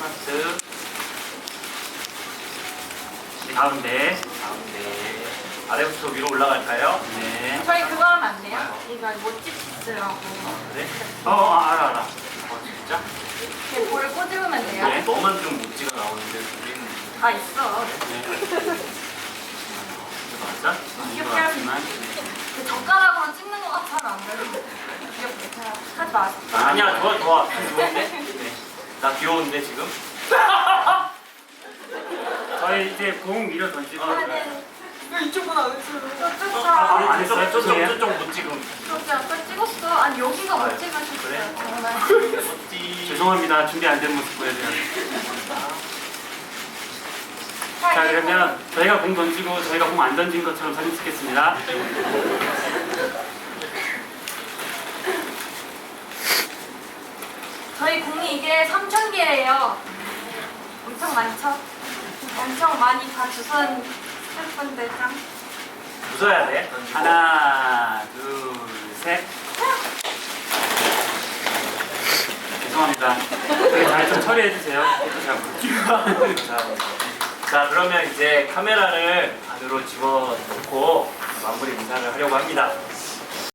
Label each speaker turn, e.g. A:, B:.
A: 하트.
B: 가운데.
A: 가운데. 아래부터 위로 올라갈까요?
B: 네.
C: 저희 그거 하면 안 돼요? 이거 모찌 피스라고.
A: 그래?
B: 알아.
A: 진짜?
C: 이렇게 볼을 꼬집으면 돼요?
B: 네.
A: 너만 좀 묵지가 나오는데 우리는
C: 다 있어.
A: 맞아?
C: 귀엽게 하면 그 젓가락으로 찍는 것 같아 하면 안 돼요? 귀엽게 하지 마세요.
A: 아니야, 좋아. 좋은데? 네. 나 귀여운데 지금?
B: 저희 이제 공 밀어 던지고.
C: 이쪽은 안 했어요. 저쪽
B: 안 했어요?
A: 저쪽 못 지금.
C: 그렇게 아까 찍었어. 아니 여기가 못
A: 그래?
C: 찍으셨어요. 정말.
A: 어찌.
B: 죄송합니다. 준비 안 된 모습 보여드려요. 자, 그러면 저희가 공 던지고 저희가 공 안 던진 것처럼 사진 찍겠습니다.
C: 저희 공이 이게 3,000개예요. 엄청 많죠? 엄청 많이 다 주선 슬픈데 짱.
A: 웃어야 돼.
B: 하나, 둘, 셋. 죄송합니다. 되게 잘 좀 처리해주세요.
A: 자, 그러면 이제 카메라를 안으로 집어넣고 마무리 인사를 하려고 합니다.